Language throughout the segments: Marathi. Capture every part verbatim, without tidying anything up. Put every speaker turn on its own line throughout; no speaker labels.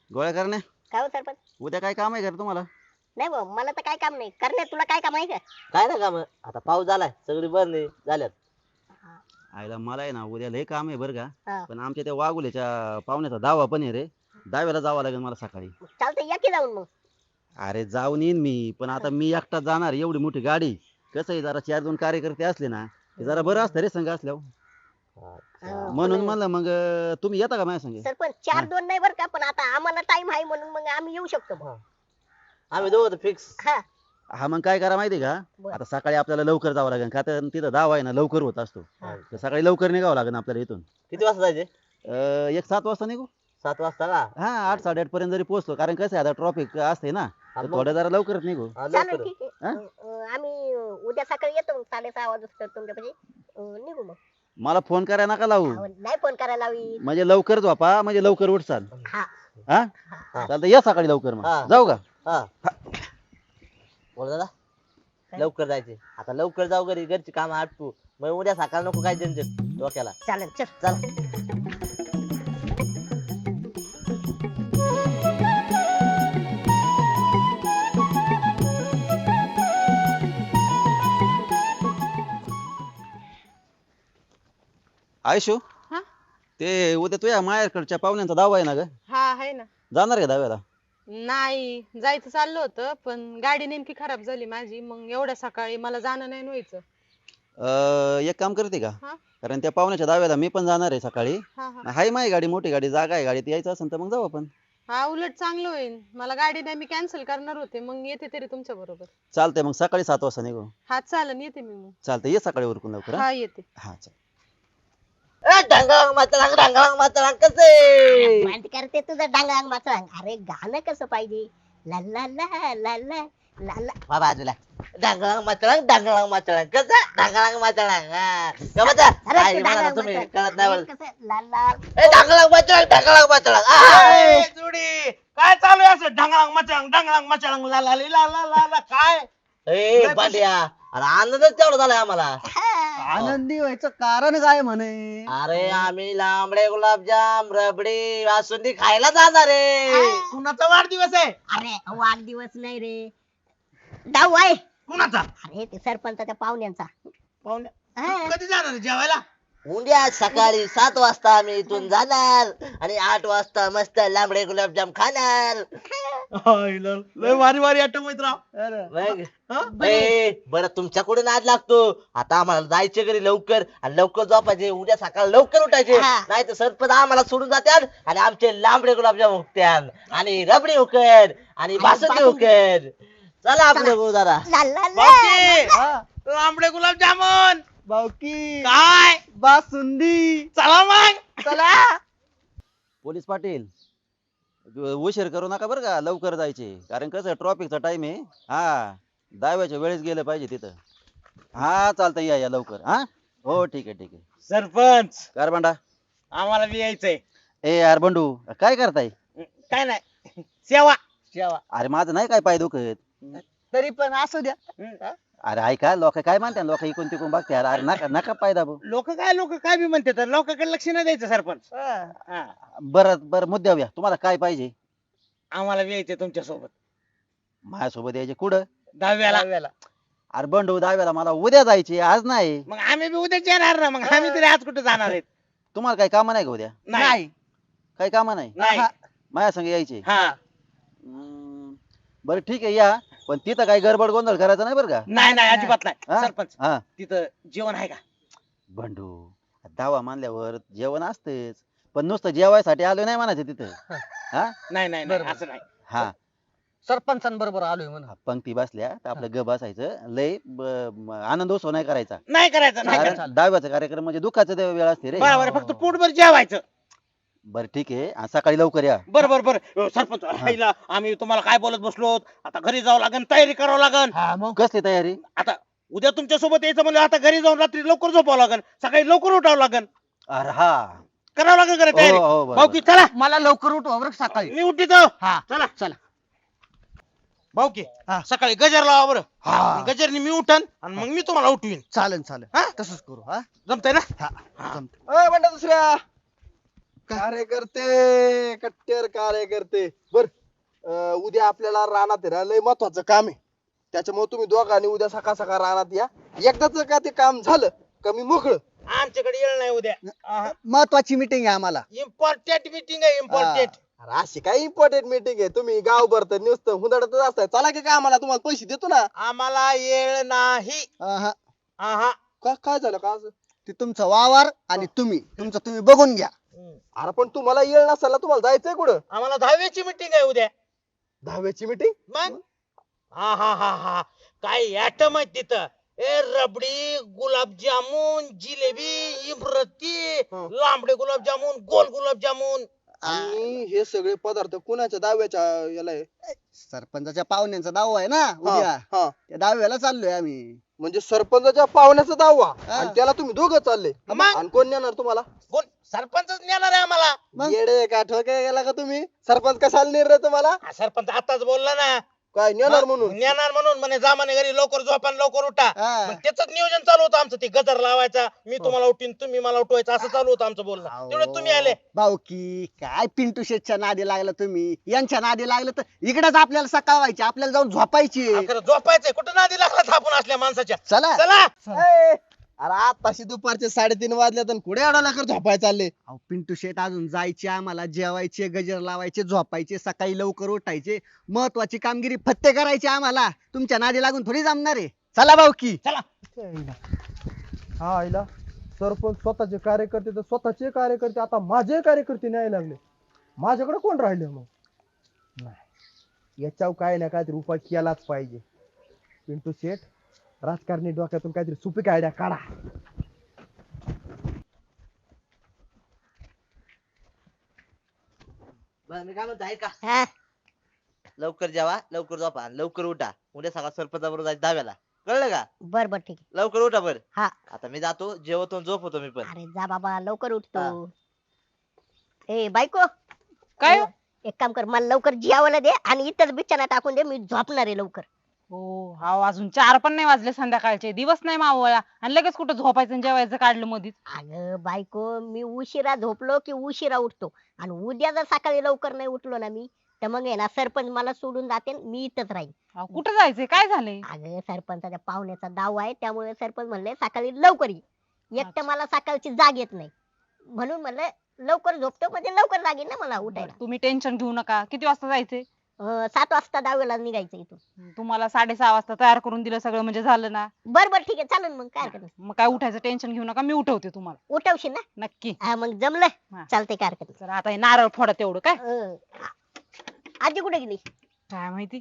गोळ्या करण्या
काय हो सरपंच?
उद्या काय काम आहे का रे तुम्हाला?
नाही भाऊ मला तर काय काम नाही. करणे तुला काय काम आहे का?
काय ना काम आता पाऊस झालाय सगळी बंद झाल्यात.
आईला मला आहे ना उद्या लय काम आहे बरं का.
हा.
पण आमच्या त्या वाघुल्याच्या पाहुण्याचा दावा पण आहे रे. दहाव्याला जावं लागेल मला सकाळी.
चालतंय या की जाऊन मग.
अरे जाऊन येईन मी पण आता मी एकटा जाणार एवढी मोठी गाडी. कसं आहे जरा चार दोन कार्यकर्ते असले ना ते जरा बरं असतं रे संघ असल्यावर.
हा,
म्हणून
पण
म्हणलं मग अं, तुम्ही येता का माझ्या संग?
सरपंच चार दोन नाही बरं का, पण आता आम्हाला टाइम आहे म्हणून मग आम्ही येऊ शकतो भाऊ.
आम्ही दोघं फिक्स.
हा
हा मग काय करा माहिती का?
बरं.
आता सकाळी आपल्याला लवकर जावं लागेल का तर तिथं दावा आहे ना लवकर होत असतो.
हा.
तर सकाळी लवकर निघावं लागेल आपल्याला इथून.
किती वाजता जायचे?
अं, एक सात वाजता निघू.
सात वाजता का?
हा आठ साडेआठ पर्यंत जरी पोहोचलो कारण कसं आहे आता ट्रॉफिक असते ना
हा,
तर
मग.
थोडं जरा लवकरच निघू.
हा,
चालेल
लवकर.
ठीक आहे.
हा?
अं, अं, आम्ही उद्या सकाळी येतो मग साडेसहा वाजता तुमच्यापाशी अं, निघू मग.
मला फोन करायला नका लावू
अहो, नाही फोन करायला हवी.
म्हणजे लवकर झोपा म्हणजे लवकर उठसाल.
हा
हा
हा.
चालतं या सकाळी लवकर मग
हा.
जाऊ का?
हा बोल दादा लवकर जायचे आता लवकर जाऊ घरी घरची काम आटपू मग उद्या सकाळ नको काय टेन्शन डोक्याला.
चालेल चल.
चला
आयशू
हा
ते उद्या तुझ्या मायाकडच्या पाहुण्यांचा दावा आहे ना ग
हा आहे ना.
जाणार का दाव्याला?
नाही जायचं चाललं होतं पण गाडी नेमकी खराब झाली माझी, मग एवढ्या सकाळी मला जाणं नाही व्हायचं.
अं, एक काम करते का?
हा
कारण त्या पाहुण्याच्या दाव्याला मी पण जाणार आहे सकाळी.
हा हा
हाय माझी गाडी मोठी गाडी जागा आहे गाडीत यायचं असेल तर मग जाऊ आपण.
हा उलट चांगलं होईल. मला गाडी नाही मी कॅन्सल करणार होते, मग येते तरी तुमच्या बरोबर.
चालतंय मग सकाळी सात वाजता निघू.
हा चालन येते मी मग.
चालतंय ये सकाळी उरकून लवकर. हा
हा येते.
हा, चाल.
ढंगांग मातळांग ढंगांग मातळांग कसे
मांड करते तुझं डांगांग माचळांग. अरे गाणं कसं पाहिजे? ला ला ला ला ला ला ला.
वा बाजूला ढंगांग मातळांग ढंगांग मातळांग कसं ढंगांग मातळांग हा गमत
अरे
आहे
तू
म्हणा
डांगांग
तुम्ही
माचळांग.
कळत नाही
अरे
मला.
कसं ला ला.
ए ढंगांग मातळांग ढंगांग मातळांग आ.
ए, जुडी काय चालू आहे असं ढंगळांग मचांग ढंगळांग मचांग ला ला ली, ला ला ला ला काय
ए बांड्या अरे आनंदच तेवढा झालाय आम्हाला.
आनंदी व्हायचं कारण काय म्हणे?
अरे आम्ही लांबडे गुलाबजाम रबडी बासुंदी खायला जाणार आहे.
कुणाचा वाढदिवस आहे?
अरे वाढदिवस नाही रे, डाव आहे.
कुणाचा?
अरे ते सरपंचाच्या पाहुण्यांचा.
पाहुण्या
हा.
कधी जाणार आहे जेवायला?
उद्या सकाळी सात वाजता आम्ही इथून जाणार आणि आठ वाजता मस्त लांबडे गुलाबजाम खाणार.
आईला, लय वारी वारी आठवत राव.
मग
हा?
ए, बरं तुमच्याकडे नाद लागतो. आता आम्हाला जायचे घरी लवकर आणि लवकर झोपायचे उद्या सकाळ लवकर उठायचे
हा.
नाही तर सरपंच आम्हाला सोडून जात्याल आणि आमचे लांबडे गुलाबजाम हुकत्याल आणि रबडी हुकड आणि बासुंदी हुकड. चला आपलं भाऊ जरा
ला ला ला.
बाकी लांबडे गुलाबजामुन
बावकी
काय
बासुंदी.
चला मग
चला.
पोलीस पाटील उशीर करू नका बरं का लवकर जायचे कारण कसं ट्रॉफिकचा टाइम आहे. हा दाव्याच्या वेळेस गेलं पाहिजे तिथं. हा चालतंय या या लवकर. हा हो ठीक आहे ठीक आहे.
सरपंच
कार भांडा
आम्हाला बी यायचंय.
ए यार बंडू काय करताय?
काय नाही सेवा सेवा
अरे माझं नाही काय पाय दुखत.
तरी पण असू द्या.
हम्म.
अरे ऐका लोक काय म्हणतात लोक इकून तिकून बघते अरे नका नका पाय दाबू.
लोक काय लोक काय बी म्हणते तर लोकांकडे लक्ष नाही द्यायचं सरपंच.
हा.
हा.
बरं बरं मुद्द्यावर या तुम्हाला काय पाहिजे?
आम्हाला बी यायचंय तुमच्या सोबत
माझ्यासोबत यायचे कुठं?
दहाव्याला.
दहाव्याला.
अरे बंडू दहाव्याला मला उद्या जायचे आज नाही.
मग आम्ही बी उद्याच येणार ना. मग आम्ही तरी आज कुठे जाणार आहेत?
तुम्हाला काही कामं नाही का उद्या?
नाही
काही कामं नाही
नाही
माझ्या संग यायचे.
हा
हम्म, बरं ठीक आहे या पण तिथं काही गडबड गोंधळ करायचा नाही बरं का?
नाही नाही अजिबात नाही.
हा?
सरपंच
हा
तिथं जेवण आहे का?
बंडू दावा मानल्यावर जेवण असतेच पण नुसतं जेवायसाठी आलो नाही म्हणायचं तिथं. हा
नाही नाही नाही,
बरोबर.
असं नाही.
हा
सरपंचांबरोबर आलोय म्हणून.
पंक्ती बसल्या तर आपलं ग बसायचं लय ब- म- आनंद उत्सव नाही करायचा
नाही करायचं नाही करायचं.
कारण दहाव्याचा कार्यक्रम म्हणजे दुःखाचा वेळ असते रे.
बरोबर आहे, फक्त पोटभर जेवायचं.
बरं ठीक आहे आणि सकाळी लवकर या.
बरं बरं बरं अ, सरपंच राहिला, आम्ही तुम्हाला काय बोलत बसलो आता घरी जावं लागेल तयारी करावं लागेल.
हा मग
कसली तयारी?
आता उद्या तुमच्या सोबत यायचं म्हणजे आता घरी जाऊन रात्री लवकर झोपावं लागेल सकाळी लवकर उठावं लागेल
अरे हा
करावं लागेल घरी
हो,
तयारी.
हो, बरोबर.
भाऊकी चला
मला लवकर उठवा बरं सकाळी.
मी उठितो.
हा
चला
चला.
भाऊकी
हा.
सकाळी गजर लावा बरं.
हा.
गजरनी मी उठन आणि मग मी तुम्हाला उठवीन.
चालेल चालेल.
हा?
तसंच करू. हा
जमतंय ना?
हा
हा.
जमतंय. ओय बंडा दुसऱ्या
कार्यकर्ते कट्टर कार्यकर्ते बर अं, उद्या आपल्याला रानात आहे ना लय महत्वाचं काम आहे. त्याच्यामुळे तुम्ही दोघांनी उद्या सकाळ सकाळ रानात या. एकदाच का ते काम झालं का मी मोकळं.
आमच्याकडे येळ नाही उद्या
महत्वाची मीटिंग आहे आम्हाला.
इम्पॉर्टंट मीटिंग आहे इम्पॉर्टंट.
अरे अशी काय इम्पॉर्टंट मीटिंग आहे. तुम्ही गावभर तर नुसतं हुंदडतच असताय. चला की काय आम्हाला तुम्हाला पैसे देतो ना.
आम्हाला येळ नाही.
आहा,
आहा.
का काय झालं का असं.
ते तुमचं वावर आणि तुम्ही तुमचं तुम्ही बघून घ्या.
अरे पण तुम्हाला येळ नसेल ना, तुम्हाला जायचंय कुठं.
आम्हाला दहावीची मीटिंग आहे उद्या.
दहाव्याची मीटिंग.
मग हा हा हा हा काय ऍटम आहे तिथं. ए रबडी गुलाबजामुन जिलेबी इमरती
हं.
लांबडे गुलाबजामुन गोल गुलाबजामुन.
आणि हे सगळे पदार्थ कुणाच्या दहाव्याच्या याला आहे.
सरपंचाच्या पाहुण्यांचा दावा आहे ना उद्या.
हा, हा.
त्या दहाव्याला चाललोय आम्ही.
म्हणजे सरपंचाच्या पाहुण्याचा दावा
हा.
आणि त्याला तुम्ही दोघं चालले.
मग?
आणि कोण नेणार तुम्हाला.
कोण सरपंचच नेणार आहे आम्हाला.
मग?
येडे का ठोके गेला का तुम्ही. सरपंच कशाला नेर रे तुम्हाला.
हा, सरपंच आताच बोलला ना.
काय नेणार
मग
म्हणून.
नेणार म्हणून म्हणे जा म्हणे घरी लवकर झोपा आणि लवकर उठा.
हा.
मग त्याच नियोजन चालू होतं आमचं. ते गजर लावायचा मी तुम्हाला उठीन तुम्ही मला उठवायचं असं चालू होतं आमचं बोलणं.
अहो,
तेवढं तुम्ही आले.
भाऊकी काय पिंटू शेटच्या नादी लागला तुम्ही. यांच्या नादी लागलं तर इकडेच आपल्याला सकाळ व्हायची. आपल्याला जाऊन झोपायची.
हा, खरं झोपायचंय कुठं नादी लागला थापून असल्या माणसाच्या.
चला.
चला
ए, अरे आताशी दुपारचे साडेतीन वाजल्यात आणि कुठे एवढा लवकर झोपाय चालले.
अहो पिंटू शेट अजून जायचे आम्हाला. जेवायचे गजर लावायचे झोपायचे सकाळी लवकर उठायचे. महत्वाची कामगिरी फत्ते करायची आम्हाला. तुमच्या नादी लागून थोडी जमणार आहे. चला भाऊकी.
चला.
हा आईला सरपंच स्वतःचे कार्यकर्ते तर स्वतःचे कार्यकर्ते आता माझे कार्यकर्ते न्यायला लागले. माझ्याकडे कोण राहिले मग. नाही याच्यावर काय ना काहीतरी उपाय केलाच पाहिजे. पिंटू शेठ राजकारणी डोक्यातून काहीतरी सुपीक आयडिया काढा.
बरं, मी काय म्हणतो ऐका.
हा
लवकर जेवा लवकर झोपा आणि लवकर उठा. उद्या सकाळ सरपंचाबरोबर जायचं दहाव्याला. कळलं का.
बर बर ठीक आहे.
लवकर उठा बर.
हा
आता मी जातो जेवतो आणि झोपतो मी पण.
अरे जा बाबा लवकर उठतो. ए बायको
काय हो?
एक काम कर मला लवकर जेवायला दे आणि इथंच बिछाना टाकून दे. मी झोपणार आहे लवकर.
हो हा अजून चार पण नाही वाजले संध्याकाळचे. दिवस नाही मावळला आणि लगेच कुठं झोपायचं आणि जेवायचं काढलं मधीच.
अगं बायको मी उशिरा झोपलो की उशिरा उठतो. आणि उद्या जर सकाळी लवकर नाही उठलो ना मी तर मग आहे ना सरपंच मला सोडून जाते मी इथंच राहीन.
अहो, कुठं जायचंय काय झालंय.
अगं सरपंचाच्या पाहुण्याचा दावा आहे त्यामुळे सरपंच म्हणले सकाळी लवकर ये. एकटं
अच्छा.
मला सकाळची जाग येत नाही म्हणून म्हणलं लवकर झोपतो म्हणजे लवकर जाग येईल ना मला उठायला.
तुम्ही टेन्शन घेऊ नका. किती वाजता जायचंय.
अं, सात वाजता दहावीला निघायचं इथून.
तुम्हाला साडेसहा वाजता तयार करून दिलं सगळं म्हणजे झालं ना.
बर बर ठीक आहे चालेल मग काय हरकत नाही.
मग काय उठायचं टेन्शन घेऊ नका. मी उठवते तुम्हाला
उठवशील ना.
नक्की.
हा मग जमलं
हा.
चालतंय काय हरकत
तर आता हे नारळ फोडा तेवढं काय.
नाही. अं, आ- आजी कुठे गेली.
काय माहिती.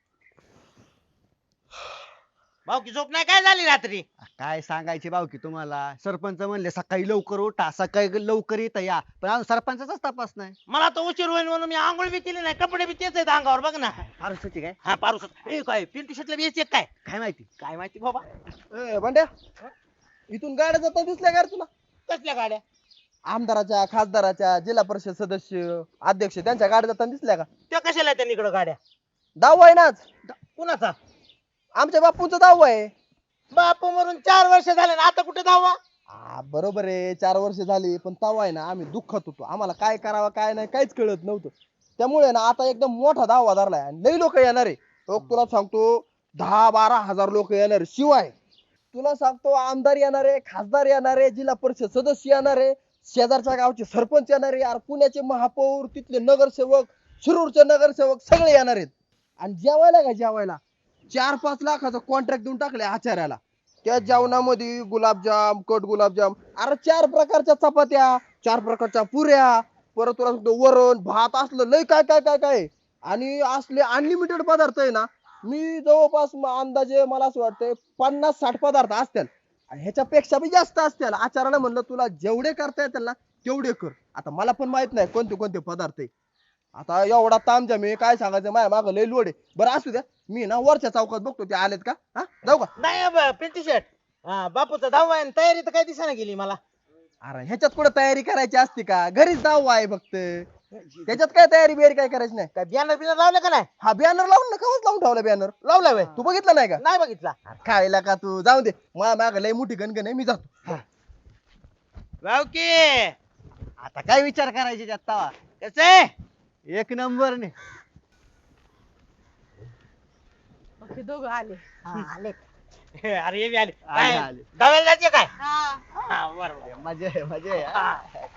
भाऊ की झोप नाही काय झाली रात्री.
काय सांगायचे भाऊकी तुम्हाला. सरपंच म्हणले सकाळी लवकर उठा सकाळी लवकर येता या. पण अजून सरपंचाचाच तपास नाही.
मला तर उशीर होईल म्हणून मी आंघोळ बी केली नाही. कपडे बी तेच आहेत अंगावर बघ ना.
फारच होती काय
हा पारुस ए काय पिंटू शेटला बी यायचे काय
काय माहिती.
काय माहिती बाबा.
ए भांड्या इथून गाड्या जातात दिसल्या का रे तुला.
कसल्या गाड्या.
आमदाराच्या खासदाराच्या जिल्हा परिषद सदस्य अध्यक्ष त्यांच्या गाड्या जाताना दिसल्या का.
त्या कशाला त्यांनी इकडे गाड्या.
दावा आहे ना आज.
कुणाचा.
आमच्या बापूंचा दावा आहे.
बापू मरून चार वर्ष झाले ना आता कुठे दावा.
हा बरोबर आहे चार वर्ष झाली पण तवा आहे ना आम्ही दुःखात होतो. आम्हाला काय करावं काय नाही काहीच कळत नव्हतं. त्यामुळे ना आता एकदम मोठा दावा धरलाय आणि लई लोक येणार आहे. तो तुला सांगतो दहा बारा हजार लोक येणार आहे. शिवाय तुला सांगतो आमदार येणार आहे खासदार येणार आहे जिल्हा परिषद सदस्य येणार आहे शेजारच्या गावचे सरपंच येणार आहे यार पुण्याचे महापौर तिथले नगरसेवक शिरूरचे नगरसेवक सगळे येणार आहेत. आणि जेवायला का जेवायला चार पाच लाखाचा कॉन्ट्रॅक्ट देऊन टाकले आचार्याला. त्या जेवणामध्ये गुलाबजाम कट गुलाबजाम अरे चार प्रकारच्या चपात्या चार प्रकारच्या पुऱ्या परत तुला सांगतो वरण भात असलं लय काय काय काय काय आणि असले अनलिमिटेड पदार्थ आहे ना. मी जवळपास म- अंदाजे मला असं वाटतंय पन्नास साठ पदार्थ असतील आणि ह्याच्यापेक्षा बी जास्त असतील. आचार्याला म्हणलं तुला जेवढे करता येतील ना तेवढे कर. आता मला पण माहित नाही कोणते कोणते पदार्थ आहे. आता एवढा तामझाम मी काय सांगायचं माझ्या मागं लय लोड आहे. बरं असू द्या मी ना वरच्या चौकात बघतो ते आलेत का. हा जाऊ का.
नाही ब- पिंटू शेट हा बापूचा दहावा आहे आणि तयारी तर काय दिसाना गेली मला.
अरे ह्याच्यात कुठे तयारी करायची असते का घरीच दावा आहे फक्त. त्याच्यात काय तयारी बियारी काय करायची नाही.
काय बॅनर बिनर लावलं का नाही.
हा बॅनर लावून ना कवच लावून ठेवला बॅनर
लावला व्हय.
तू बघितलं नाही का.
नाही बघितला.
खायला का तू जाऊ दे माझ्या माग लय मोठी गणगण आहे मी जातो.
भाऊ की
आता काय विचार करायचे त्यात तवा
कसे
एक नंबर ने
ओके दोघं आले
हा, आले
अरे हे बी आले
आले,
काय
आले.
डाव्याला जायचे काय
हा
हा बरोबर
मजा आहे मजा आहे
हा.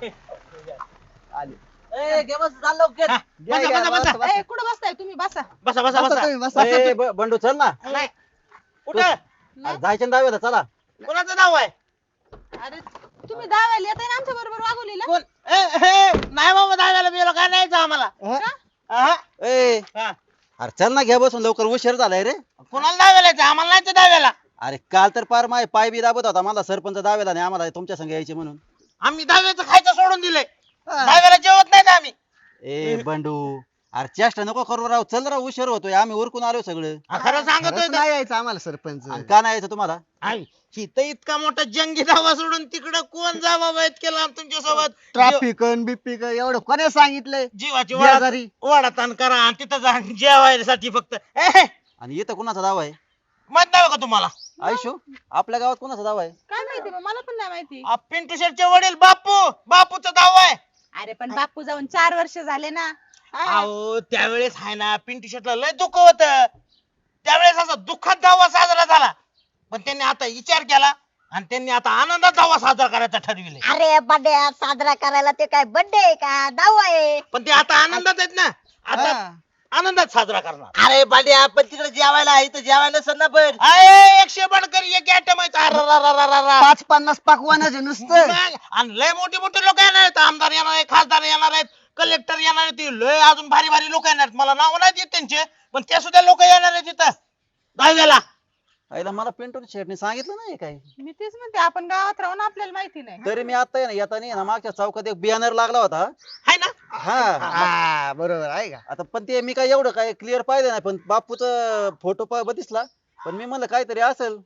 आले
ए घे बस चाल लवकर
हा,
घ्या,
बसा
घ्या,
बसा
बसा,
बसा
बसा.
ए कुठं बसताय तुम्ही बसा
बसा बसा
बसा
बसा
तुम्ही, बसा.
ए, ब- बंडू चल ना
नाही कुठं
अरे जायचं ना दहाव्याला चला
कोणाचं नाव आहे
अरे तुम्ही दहाव्याला येताय ना आमच्या बरोबर वागवलीला
कोण ए, हे, नाही बाबा दहाव्याला बिलो काय न्यायचं आम्हाला
हा?
हा?
ए
हा.
अरे चल ना घ्या बसून लवकर उशीर झालाय रे
कोणाला दहाव्याला यायचं आम्हाला नाही दहाव्याला
अरे काल तर पार माय पाय बी दाबत होता मला सरपंच दाव्याला नाही आम्हाला तुमच्या संग यायचे म्हणून
आम्ही दहाव्याचं खायचं सोडून दिलंय दहाव्याला जेवत नाही आम्ही
ए बंडू अरे चेष्टा नको करू राव चल राव उशीर होतोय आम्ही उरकून आलो सगळं
हा, खरं सांगतोय
खरंच
तर.
नाही यायचं आम्हाला सरपंच
आणि का नाही यायचं तुम्हाला
आई, इथं इतका मोठा जंगी धावा सोडून तिकडं कोण जावा वाईट केला तुमच्या सोबत
ट्रॅफिक बिपिक एवढं कोणी सांगितलंय
जीवाची वाडा
बेजारी.
वाडाताण करा आणि तिथं जा जेवायसाठी फक्त ए, हे,
आणि इथं कुणाचा दावा आहे
माहित नाही का तुम्हाला
आयुष्य आपल्या गावात कुणाचा दावा आहे
काय माहिती बा, मला पण नाही माहिती
आ, पिंटू शेटचे वडील बापू बापूचा दावा आहे
अरे पण बापू जाऊन चार वर्ष झाले ना हा.
अहो त्यावेळेस आहे ना पिंटू शेटला लय दुःख होत त्यावेळेस असा दुःखात दावा साजरा झाला पण त्यांनी आता विचार केला आणि त्यांनी आता आनंदात दावा साजरा करायचा ठरविले
अरे बड्डे साजरा करायला ते काय बड्डे आहे का दावा आहे
पण ते आता आनंदात आहेत ना आता
हा.
आनंदात साजरा करणार
अरे बांड्या आपण तिकडे जेवायला इथं जेवायला नसेल ना पण
अय, एकशे बडकर एक आयटम आहे अररररररर.
पाच पन्नास पाकवानाच आहे नुसतं
मग, आणि लय मोठे मोठे लोक येणार आहेत आमदार येणार आहेत खासदार येणार आहेत कलेक्टर येणार आहेत ती लय अजून भारी भारी लोक येणार आहेत मला नाव नाही देत त्यांचे पण ते सुद्धा लोक येणार आहेत तिथं दहाव्याला
आईला मला पिंटू शेटने सांगितलं नाही काय
मी तेच म्हणते आपण गावात राहून आपल्याला माहिती नाही
तरी मी आता आहे ना येताना ना मागच्या चौकात एक बॅनर लागला होता
आहे ना
हा
हा बरोबर आहे का
आता पण ते मी काय एवढं काय क्लिअर पाहिलं नाही पण बापूचा फोटो पा दिसला पण मी म्हणलं काहीतरी असेल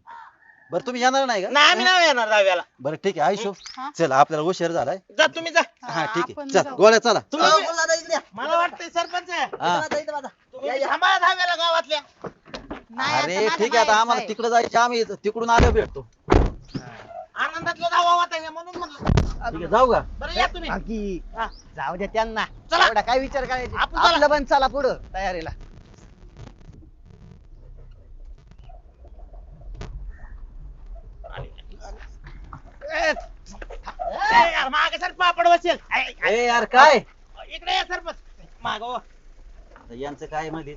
बरं तुम्ही येणार नाही का
नाही आम्ही नाही येणार दहाव्याला
बरं ठीक आहे आयुष्य
हा?
चल आपल्याला उशीर झालाय
जा तुम्ही जा
हा ठीक
आपण
आहे चल
जाऊ.
गोळ्या चला
तुम्ही
अहो,
बी-
बोला दादा इकडे या.
मला वाटतंय सरपंच
हा
दादा इथं बघा.
तुम्ही बी थांबा दहाव्याला गावातल्या
नाही, आता
अरे
माझं
ठीक आहे आता
माहेर
आम्हाला
आहे.
तिकडे जायचं आम्ही तिकडून आलो भेटतो
आनंदातला धावा होता हे म्हणून म्हणलं
ठीक आहे जाऊ का
बरं या तुम्ही
बाकी
हा.
जाऊ द्या त्यांना
चला.
एवढा काय विचार करायचे
आपण चला.
आपलं पण चला पुढं तयारीला
ए, यार, मागे सर पापड बसेल ऐ, ऐ,
ए यार काय
इकडे या सरपंच माग हो.
आता यांचं काय मध्येच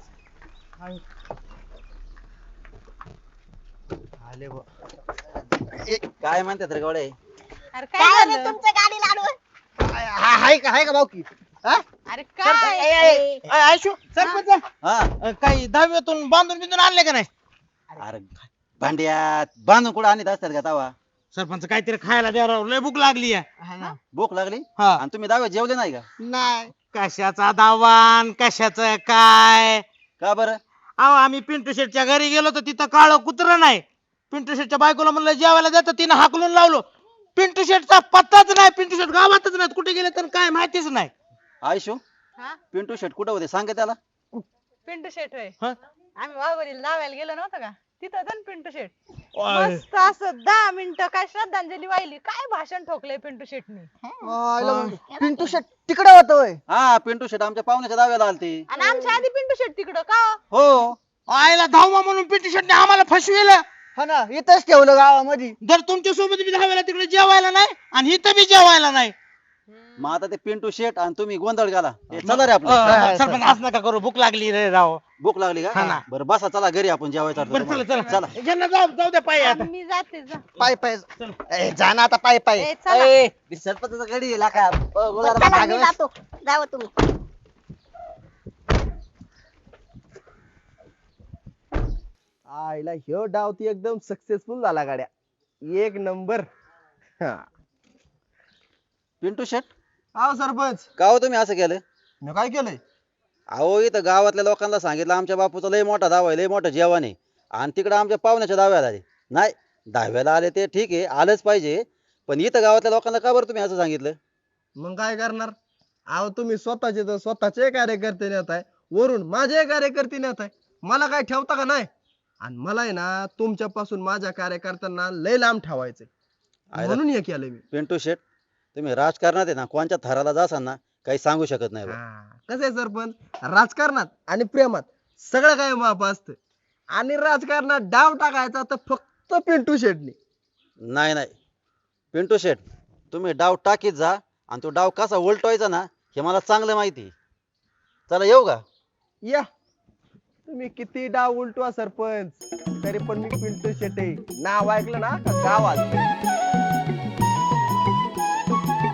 आले बुवा.
काय म्हणतात रे गोळे
अरे
काय
काय
रे
झालं
तुमच्या गाडी लाडू
हा- हाय का हाय का भाऊकी हा?
अरे
सरपंच,
काय
ऐ, ऐ, ऐ, आयशू सरपंच
हा
अ, काही दहावीतून बांधून बिंदून आणले का नाही
अरे भांड्यात बांधून कुठं आणत असतात का तवा
सरपंच काहीतरी खायला द्या राव लय भूक लागली आहे
हा ना.
भूक लागली
हा.
आणि तुम्ही दाव्यात जेवले नाही का
नाही
कशाचा दावान कशाचं काय
का बरं
अहो आम्ही पिंटू शेटच्या घरी गेलो तर तिथं काळं कुत्र नाही पिंटू शेटच्या बायकोला म्हणलं जेवायला जातं तिनं हाकलून लावलो पिंटू शेटचा पत्ताच नाही पिंटू शेट गावातच नाही कुठे गेले तर काय माहितीच नाही
आयुष्य
हा
पिंटू शेट कुठं होते सांग त्याला
पिंटू शेट होय
हा?
आम्ही वाघोलीला दाव्याला गेलो नव्हतं का तिथं होतं ना पिंटू शेट
ओय.
मस्त असं दहा मिनिटं काय श्रद्धांजली वाहिली काय भाषण ठोकलंय पिंटू शेटनी
आयला मग पिंटू शेट तिकडे होतोय
हा पिंटू शेट आमच्या पाहुण्याच्या दाव्याला आलते
आणि आमच्या आधी पिंटू शेट तिकडं का
हो
आईला धावमा म्हणून पिंटू शेटने आम्हाला फसविलं
हा ना इथंच ठेवलं गावामध्ये
जर तुमच्या सोबत बी धावायला तिकडे जेवायला नाही आणि इथं बी जेवायला नाही
मग आता ते पिंटू शेट आणि तुम्ही गोंधळ घाला हे चला रे
अ,
आपलं
सरपंच असं नका करू भूक लागली रे राव
भूक लागली
हा ना.
का बरं बसा चला घरी आपण जेवायचं
बरं चला
चला
चला ज्यांना जाऊ जाऊ द्या पायी आता
मी जाते जा
पाय पाय ए, जा ना आता पाय पाय
ए, चला
ए, मी सरपंचाचा गडी गेला का अ, बोला
चला
दादा.
मी जातो जावं तुम्ही
आईला ह्यो डाव ती एकदम सक्सेसफुल झाला गाड्या एक नंबर हा
पिंटू शेट
अहो सरपंच
का हो तुम्ही असं केलं
मी काय केलंय
अहो इथं गावातल्या लोकांना सांगितलं आमच्या बापूचा लय मोठा दावा आहे लय मोठं जेवण आहे आणि तिकडे आमच्या पाहुण्याच्या दाव्याला आले नाही दहाव्याला आले ते ठीक आहे आलंच पाहिजे पण इथं गावातल्या लोकांना का बरं तुम्ही असं सांगितलं
मग काय करणार अहो तुम्ही स्वतःचे तर स्वतःचे कार्यकर्ते नेत आहे वरून माझे कार्यकर्ते नेत आहे मला काय ठेवता का नाही आणि मला आहे ना तुमच्यापासून माझ्या कार्यकर्त्यांना लय लांब ठेवायचंय
आयला.
म्हणून हे केलंय मी
पिंटू शेट तुम्ही राजकारणात आहे ना कोणत्या थराला जासाल ना काही सांगू शकत नाही बा.
कसं आहे सरपंच राजकारणात आणि प्रेमात सगळं काही माप असतं आणि राजकारणात डाव टाकायचा तर फक्त पिंटू शेटने.
नाही नाही पिंटू शेट तुम्ही डाव टाकीत जा आणि तो डाव कसा उलटवायचा ना हे मला चांगलं माहिती आहे. चला येऊ का?
या तुम्ही किती डाव उलटवा सरपंच तरी पण मी पिंटू शेटे नाव ऐकलं ना का गावात